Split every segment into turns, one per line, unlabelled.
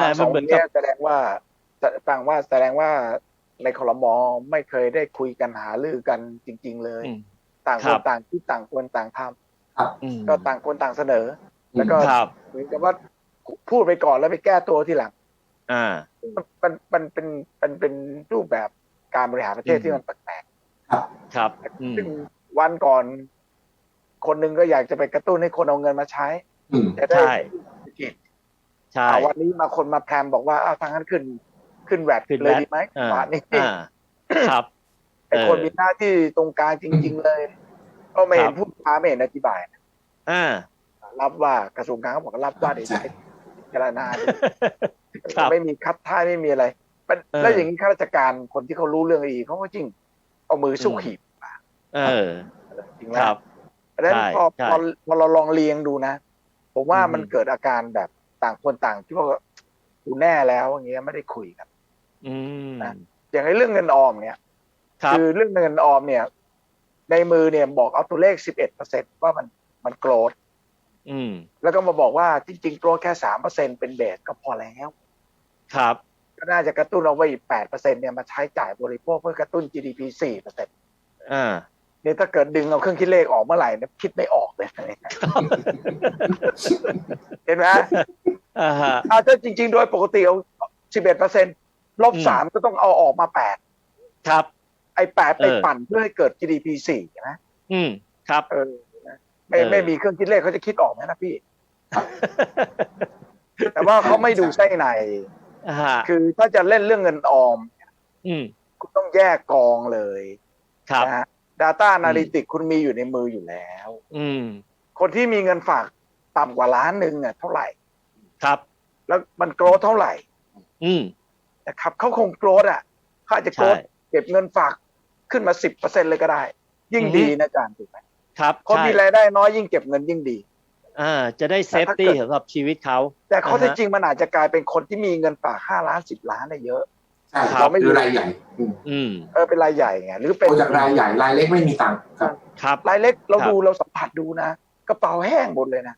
แต่มันเหมือนกับ
แสดงว่าในครม.ไม่เคยได้คุยกันหารือกันจริงๆเลยต่างคนต่างคิดต่างคนต่างทำก็ต่างคนต่างเสนอแล้วก็เหมือนกับว่าพูดไปก่อนแล้วไปแก้ตัวทีหลังมันเป็นรูปแบบการบริหารประเทศที่มันแปลก
ๆครับ
ซึ่งวันก่อนคนหนึ่งก็อยากจะไปกระตุ้นให้คนเอาเงินมาใช้จะได้
ใช่
วันนี้มาคนมาแพรมบอกว่าทางนั้นขึ้นแวดเลยดีไหมวันนี้
ครับ
ไอ้คนมีหน้าที่ตรงกลางจริงๆเลยก็ไม่เห็นพูดไม่เห็นอธิบายรับว่ากระทรวงการเขาบอกรับว่าเดี๋ยวจะพิจารณาไม่มีคัดท่าไม่มีอะไรแล้วอย่างนี้ข้าราชการคนที่เขารู้เรื่องอีเขาก็จริงเอามือสู้ขีดจริงไหมเพราะฉะนั้นพอเราลองเรียงดูนะผมว่ามันเกิดอาการแบบต่างคนต่างที่ว่ากูแน่แล้วอย่างเงี้ยไม่ได้คุยกันนะอย่างเรื่องเงินออมเนี่ยคือเรื่องเงินออมเนี่ยในมือเนี่ยบอกเอาตัวเลข 11% ว่ามันโกรธแล้วก็มาบอกว่าจริงๆโกรธแค่ 3% เป็นเบสก็พอแล้ว
ครับ
ก็น่าจะกระตุ้นเอาไว้อีก 8% เนี่ยมาใช้จ่ายบริโภคเพื่อกระตุ้น GDP 4%เนี่ยถ้าเกิดดึงเอาเครื่องคิดเลขออกเมื่อไหร่เนี่ยคิดไม่ออกเลยเห็นไหมถ้าจริงๆโดยปกติเอา 11% ลบ 3ก็ต้องเอาออกมา 8
ครับ
ไอ้8ไปปั่นเพื่อให้เกิด GDP 4ใช่ไหม
ครับ
ไม่มีเครื่องคิดเลขเขาจะคิดออกไหมนะพี่แต่ว่าเขาไม่ดูไส้ในคือถ้าจะเล่นเรื่องเงินออมคุณต้องแยกกองเลยนะฮะ Data Analytics คุณมีอยู่ในมืออยู่แล้วคนที่มีเงินฝากต่ำกว่าล้านหนึ่งเท่าไหร่
ครับ
แล้วมันโกรธเท่าไหร่นะครับเขาคงโกรธเขาอาจจะโกรธเก็บเงินฝากขึ้นมา 10% เลยก็ได้ยิ่งดีนะอาจารย์ถูกไหม
ครับ
คนมีรายได้น้อยยิ่งเก็บเงินยิ่งดี
จะได้เซฟตี้สำหรับชีวิตเขา
แต่ข้อเท็จจริงมันอาจจะกลายเป็นคนที่มีเงินฝาก5 ล้าน10 ล้านได้เยอะ
เราไม่รู้รายใหญ่
เป็นรายใหญ่ไงหรือเป็น
จากรายใหญ่รายเล็กไม่มีตังค์
ครับรายเล็กเราสัมผัสดูนะกระเป๋าแห้งหมดเลยนะ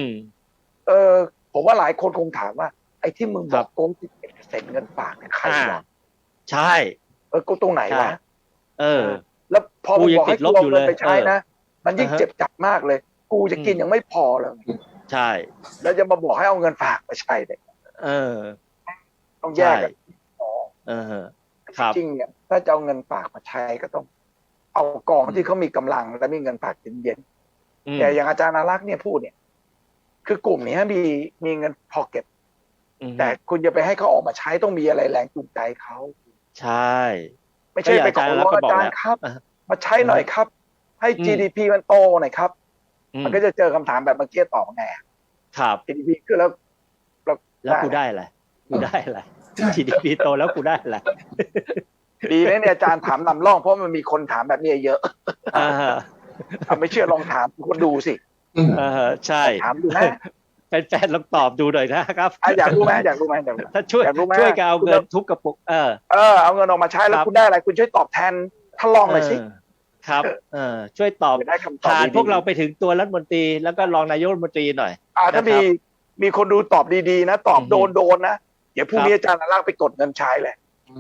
ผมว่าหลายคนคงถามว่าไอ้ที่มึงบอกโกง11%เงินฝากเนี่ยใครวะ
ใช่
กูตรงไหนวะแล้วพอบอกให้กูเอาเงินไปใช้นะมันยิ่งเจ็บจับมากเลยกูจะกินยังไม่พอเลย
ใช่
แล้วจะมาบอกให้เอาเงินฝากไปใช้เลยต้องแยกกันจริงเนี่ยถ้าจะเอาเงินฝากมาใช้ก็ต้องเอากองที่เขามีกำลังและมีเงินฝากเย็นๆแต่อย่างอาจารย์อารักษ์เนี่ยพูดเนี่ยคือกลุ่มนี้มีเงินพอเก็บแต่คุณจะไปให้เขาออกมาใช้ต้องมีอะไรแรงจูงใจเขา
ใช่
ไม่ใช่ไปขอร้องอาจารย์ครับมาใช้หน่อยครับให้ GDP มันโตหน่อยครับมันก็จะเจอคำถามแบบเมื่อกี้ตอบไง
ครับ
GDP ขึ้นแล้ว
กูได้อะไรGDP โตแล้วกูได้อะไร
ดีนะเนี่ยอาจารย์ถามนำร่องเพราะมันมีคนถามแบบนี้เยอะไม่เชื่อลองถามคนดูสิ
ใช่
ถามดูนะ
แฟนๆลองตอบดูหน่อยนะครับ
อยากรู้ไหม
ถ้าช่วยกันเอาเงินทุกกระปุก
เอาเงินออกมาใช้แล้วคุณได้อะไรคุณช่วยตอบแทนท่านรองหน่อยสิ
ครับช่วยตอบผ่านพวกเราไปถึงตัวรัฐมนตรีแล้วก็รองนายกรัฐมนตรีหน่อย
ถ้ามีคนดูตอบดีๆนะตอบโดนนะเดี๋ยวพรุ่งนี้อาจารย์ลากไปกดเงินใช้เลย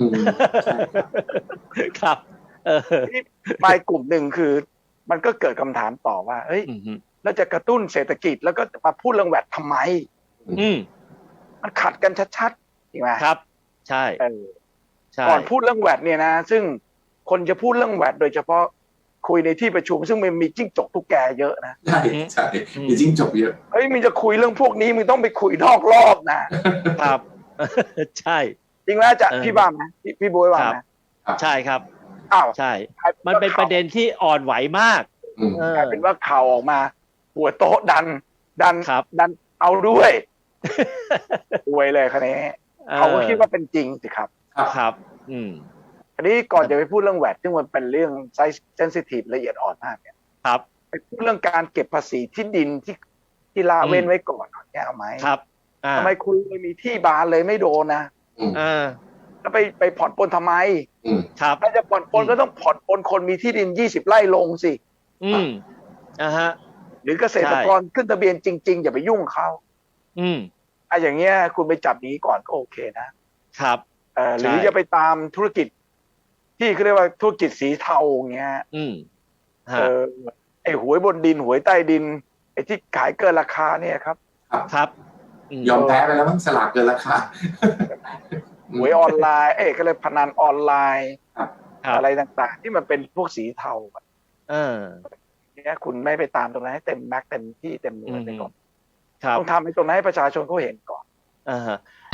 ครับ
ไปกลุ่มหนึ่งคือมันก็เกิดคำถามต่อว่าเฮ้ยแล้วจะกระตุ้นเศรษฐกิจแล้วก็มาพูดเรื่องแวดทำไมมันขัดกันชัดๆจริงไหม
ครับใช่
ก่อนพูดเรื่องแวดเนี่ยนะซึ่งคนจะพูดเรื่องแวดโดยเฉพาะคุยในที่ประชุมซึ่งมันมีจิ้งจกตุ๊กแกเยอะนะ
ใช่มีจิ้งจกเยอะ
เฮ้ยมึงจะคุยเรื่องพวกนี้มึงต้องไปคุยนอกรอบนะครับ
ใช่
จริงไหมจะพี่บ้าไหมพี่บ๊วยว่าไหม
ใช่ครับใช่มันเป็นประเด็นที่อ่อนไหวมาก
กลายเป็นว่าข่าวออกมาหัวโต๊ะดันเอาด้วยอวยเลยคะแนนเขาก็คิดว่าเป็นจริงสิครับ
ครับ
อันนี้ก่อนจะไปพูดเรื่องแวดซึ่งมันเป็นเรื่องไซส์เซนซิทีฟละเอียดอ่อนมากเนี่ย
ครับ
ไปพูดเรื่องการเก็บภาษีที่ดินที่ละเว้นไว้ก่อนเนี่ยเอาไหม
ครับ
ทำไมคุณไม่มีที่บานเลยไม่โดนนะแล้วไปผ่อนปลนทำไม
ครับ
ถ้าจะผ่อนปลนก็ต้องผ่อนปลนคนมีที่ดิน20 ไร่ลงสิ
ฮะ
หรือเกษตรกรขึ้นทะเบียนจริงๆอย่าไปยุ่งเขาอย่างเงี้ยคุณไปจับนี้ก่อนก็โอเคนะครับหรือจะไปตามธุรกิจที่เขาเรียกว่าธุรกิจสีเทาเงี้ยไอ้หวยบนดินหวยใต้ดินไอ้ที่ขายเกินราคาเนี่ยครับ
ยอมแพ้ไปแล้วมั้งสลากเกินราคา
หวยออนไลน์ก็เลยพนันออนไลน์อะไรต่างๆที่มันเป็นพวกสีเทาเนี่ยคุณไม่ไปตามตรงนั้นให้เต็มแม็กเต็มที่เต็มหน่วยไปก่อนต้องทำให้ตรงนั้นให้ประชาชนเขาเห็นก่อน